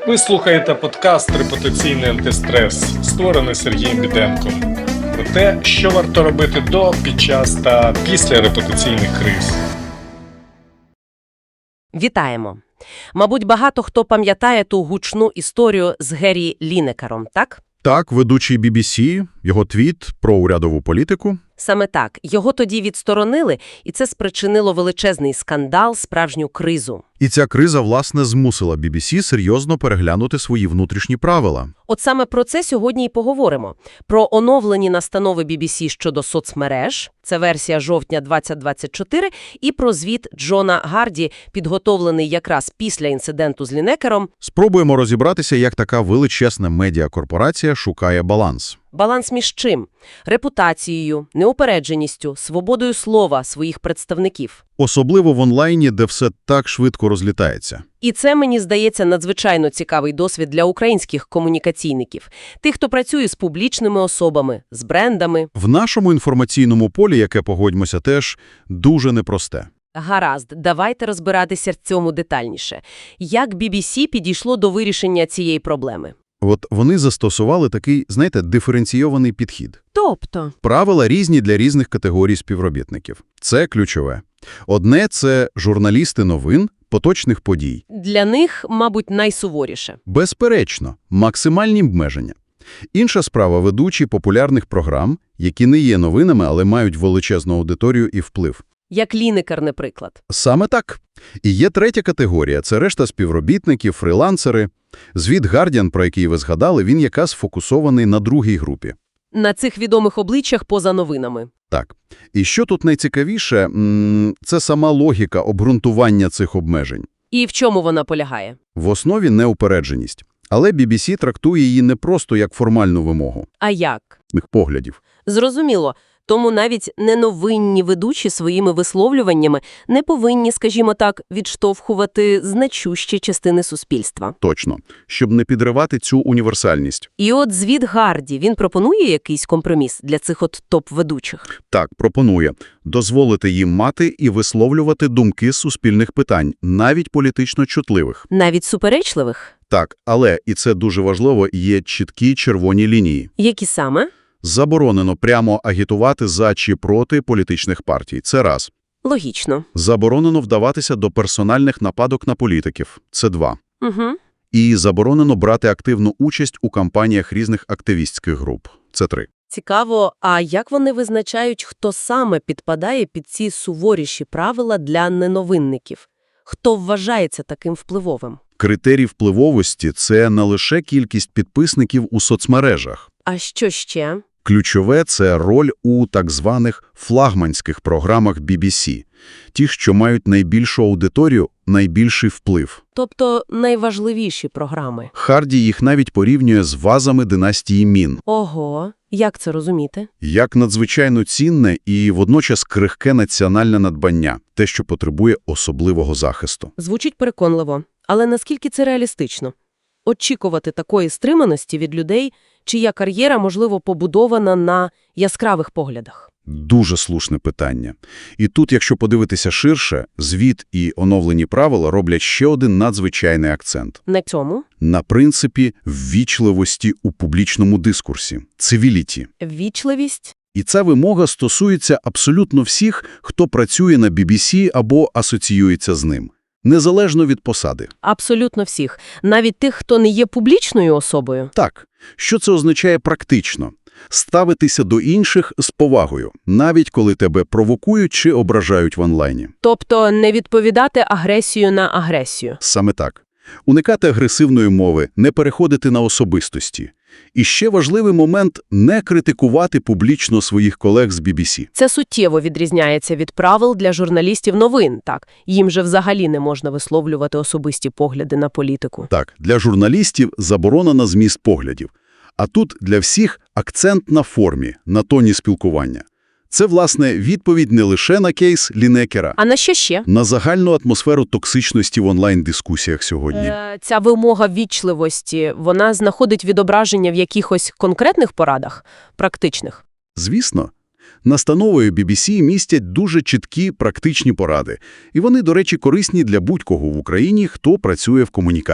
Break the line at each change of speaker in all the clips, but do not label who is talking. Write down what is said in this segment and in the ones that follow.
Ви слухаєте подкаст «Репутаційний антистрес», створений Сергієм Біденком. Про те, що варто робити до, під час та після репутаційних криз.
Вітаємо! Мабуть, багато хто пам'ятає ту гучну історію з Геррі Лінекером, так?
Так, ведучий BBC, його твіт про урядову політику.
Саме так. Його тоді відсторонили, і це спричинило величезний скандал, справжню кризу.
І ця криза, власне, змусила BBC серйозно переглянути свої внутрішні правила.
От саме про це сьогодні і поговоримо. Про оновлені настанови BBC щодо соцмереж, це версія жовтня 2024, і про звіт Джона Гарді, підготовлений якраз після інциденту з Лінекером.
Спробуємо розібратися, як така величезна медіакорпорація шукає баланс.
Баланс між чим? Репутацією, неупередженістю, свободою слова своїх представників.
Особливо в онлайні, де все так швидко розлітається.
І це, мені здається, надзвичайно цікавий досвід для українських комунікаційників. Тих, хто працює з публічними особами, з брендами.
В нашому інформаційному полі, яке, погодьмося, теж дуже непросте.
Гаразд, давайте розбиратися в цьому детальніше. Як BBC підійшло до вирішення цієї проблеми?
От вони застосували такий, знаєте, диференційований підхід.
Тобто?
Правила різні для різних категорій співробітників. Це ключове. Одне – це журналісти новин, поточних подій.
Для них, мабуть, найсуворіше.
Безперечно, максимальні обмеження. Інша справа – ведучі популярних програм, які не є новинами, але мають величезну аудиторію і вплив.
Як Лінекер, наприклад.
Саме так. І є третя категорія – це решта співробітників, фрилансери. Звіт Guardian, про який ви згадали, він якраз сфокусований на другій групі.
На цих відомих обличчях поза новинами.
Так. І що тут найцікавіше – це сама логіка обґрунтування цих обмежень.
І в чому вона полягає?
В основі неупередженість. Але BBC трактує її не просто як формальну вимогу.
А як?
Поглядів.
Зрозуміло. Тому навіть неновинні ведучі своїми висловлюваннями не повинні, скажімо так, відштовхувати значущі частини суспільства.
Точно. Щоб не підривати цю універсальність.
І от звіт Гарді, він пропонує якийсь компроміс для цих от топ-ведучих?
Так, пропонує дозволити їм мати і висловлювати думки з суспільних питань, навіть політично чутливих.
Навіть суперечливих?
Так, але, і це дуже важливо, є чіткі червоні лінії.
Які саме?
Заборонено прямо агітувати за чи проти політичних партій. Це раз.
Логічно.
Заборонено вдаватися до персональних нападок на політиків. Це два.
Угу.
І заборонено брати активну участь у кампаніях різних активістських груп. Це три.
Цікаво, а як вони визначають, хто саме підпадає під ці суворіші правила для неновинників? Хто вважається таким впливовим?
Критерій впливовості – це не лише кількість підписників у соцмережах.
А що ще?
Ключове – це роль у так званих флагманських програмах BBC. Ті, що мають найбільшу аудиторію, найбільший вплив.
Тобто найважливіші програми.
Харді їх навіть порівнює з вазами династії Мін.
Ого, як це розуміти?
Як надзвичайно цінне і водночас крихке національне надбання. Те, що потребує особливого захисту.
Звучить переконливо. Але наскільки це реалістично? Очікувати такої стриманості від людей, чия кар'єра, можливо, побудована на яскравих поглядах?
Дуже слушне питання. І тут, якщо подивитися ширше, звіт і оновлені правила роблять ще один надзвичайний акцент.
На цьому?
На принципі ввічливості у публічному дискурсі. Цивіліті.
Ввічливість?
І ця вимога стосується абсолютно всіх, хто працює на BBC або асоціюється з ним. Незалежно від посади.
Абсолютно всіх. Навіть тих, хто не є публічною особою.
Так. Що це означає практично? Ставитися до інших з повагою, навіть коли тебе провокують чи ображають в онлайні.
Тобто не відповідати агресію на агресію.
Саме так. Уникати агресивної мови, не переходити на особистості. І ще важливий момент – не критикувати публічно своїх колег з BBC.
Це суттєво відрізняється від правил для журналістів новин, так? Їм же взагалі не можна висловлювати особисті погляди на політику.
Так, для журналістів заборона на зміст поглядів. А тут для всіх акцент на формі, на тоні спілкування. Це, власне, відповідь не лише на кейс Лінекера,
А на що ще?
на загальну атмосферу токсичності в онлайн-дискусіях сьогодні.
Ця вимога ввічливості, вона знаходить відображення в якихось конкретних порадах, практичних?
Звісно. Настановою BBC містять дуже чіткі практичні поради. І вони, до речі, корисні для будь-кого в Україні, хто працює в комунікаціях.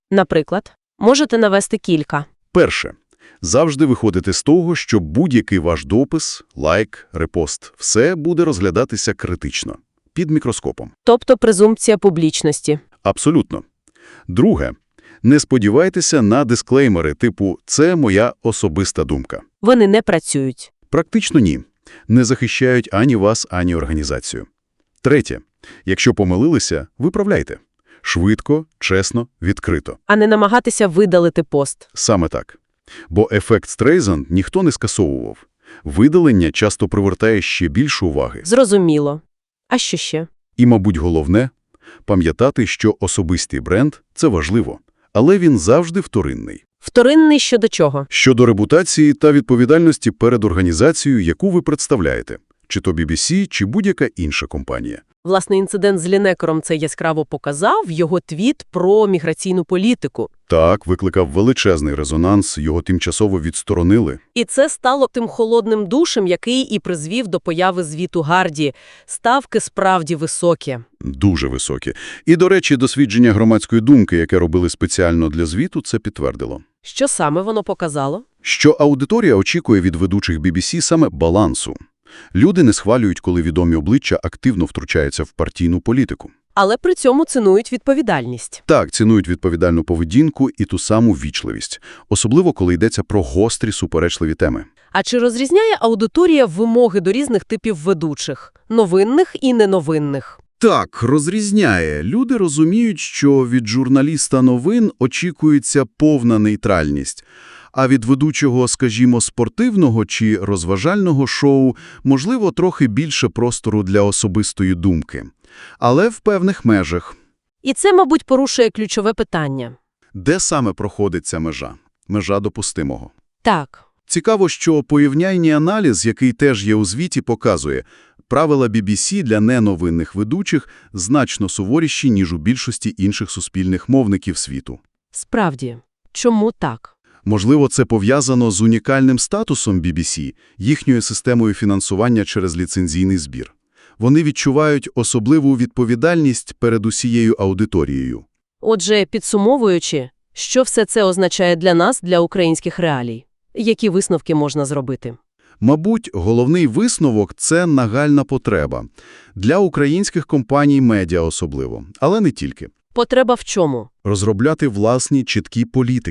Наприклад, можете навести кілька.
Перше. Завжди виходити з того, що будь-який ваш допис, лайк, репост – все буде розглядатися критично, під мікроскопом.
Тобто презумпція публічності.
Абсолютно. Друге. Не сподівайтеся на дисклеймери типу «це моя особиста думка».
Вони не працюють.
Практично ні. Не захищають ані вас, ані організацію. Третє. Якщо помилилися, виправляйте. Швидко, чесно, відкрито.
А не намагатися видалити пост.
Саме так. Бо ефект Стрейзанд ніхто не скасовував. Видалення часто привертає ще більше уваги.
Зрозуміло. А що ще?
І, мабуть, головне – пам'ятати, що особистий бренд – це важливо, але він завжди вторинний.
Вторинний щодо чого?
Щодо репутації та відповідальності перед організацією, яку ви представляєте, чи то BBC, чи будь-яка інша компанія.
Власне, інцидент з Лінекером це яскраво показав, його твіт про міграційну політику.
Так, викликав величезний резонанс, його тимчасово відсторонили.
І це стало тим холодним душем, який і призвів до появи звіту Гарді. Ставки справді високі.
Дуже високі. І, до речі, дослідження громадської думки, яке робили спеціально для звіту, це підтвердило.
Що саме воно показало?
Що аудиторія очікує від ведучих BBC саме балансу. Люди не схвалюють, коли відомі обличчя активно втручаються в партійну політику.
Але при цьому цінують відповідальність.
Так, цінують відповідальну поведінку і ту саму ввічливість. Особливо, коли йдеться про гострі, суперечливі теми.
А чи розрізняє аудиторія вимоги до різних типів ведучих? Новинних і неновинних?
Так, розрізняє. Люди розуміють, що від журналіста новин очікується повна нейтральність. А від ведучого, скажімо, спортивного чи розважального шоу, можливо, трохи більше простору для особистої думки. Але в певних межах.
І це, мабуть, порушує ключове питання.
Де саме проходить ця межа? Межа допустимого.
Так.
Цікаво, що порівняльний аналіз, який теж є у звіті, показує, правила BBC для неновинних ведучих значно суворіші, ніж у більшості інших суспільних мовників світу.
Справді. Чому так?
Можливо, це пов'язано з унікальним статусом BBC, їхньою системою фінансування через ліцензійний збір. Вони відчувають особливу відповідальність перед усією аудиторією.
Отже, підсумовуючи, що все це означає для нас, для українських реалій? Які висновки можна зробити?
Мабуть, головний висновок – це нагальна потреба. Для українських компаній медіа особливо, але не тільки.
Потреба в чому?
Розробляти власні чіткі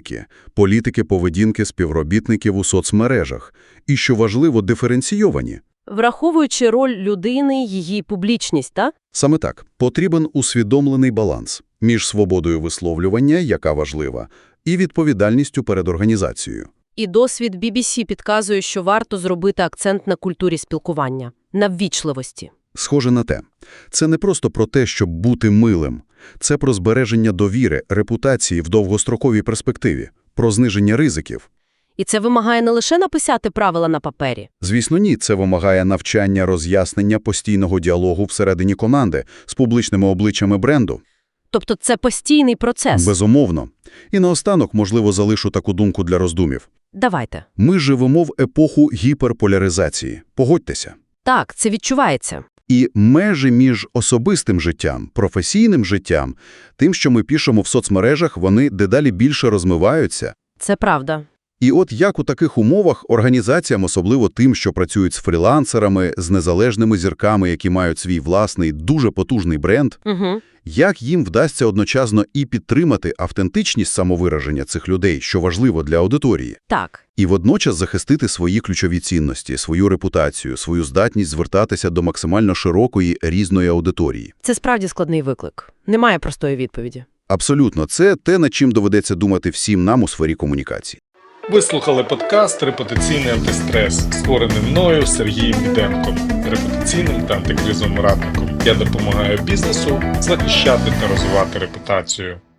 політики поведінки співробітників у соцмережах. І, що важливо, диференційовані.
Враховуючи роль людини, її публічність, так?
Саме так. Потрібен усвідомлений баланс між свободою висловлювання, яка важлива, і відповідальністю перед організацією.
І досвід BBC підказує, що варто зробити акцент на культурі спілкування, на ввічливості.
Схоже на те. Це не просто про те, щоб бути милим. Це про збереження довіри, репутації в довгостроковій перспективі, про зниження ризиків.
І це вимагає не лише написати правила на папері.
Звісно, ні, це вимагає навчання, роз'яснення, постійного діалогу всередині команди з публічними обличчями бренду.
Тобто це постійний процес.
Безумовно. І наостанок, можливо, залишу таку думку для роздумів.
Давайте.
Ми живемо в епоху гіперполяризації. Погодьтеся.
Так, це відчувається.
І межі між особистим життям, професійним життям, тим, що ми пишемо в соцмережах, вони дедалі більше розмиваються.
Це правда.
І от як у таких умовах організаціям, особливо тим, що працюють з фрілансерами, з незалежними зірками, які мають свій власний, дуже потужний бренд, як їм вдасться одночасно і підтримати автентичність самовираження цих людей, що важливо для аудиторії,
Так.
і водночас захистити свої ключові цінності, свою репутацію, свою здатність звертатися до максимально широкої, різної аудиторії.
Це справді складний виклик. Немає простої відповіді.
Абсолютно. Це те, над чим доведеться думати всім нам у сфері комунікації.
Ви слухали подкаст «Репутаційний антистрес», створений мною Сергієм Біденком, репутаційним та антикризовим радником. Я допомагаю бізнесу захищати та розвивати репутацію.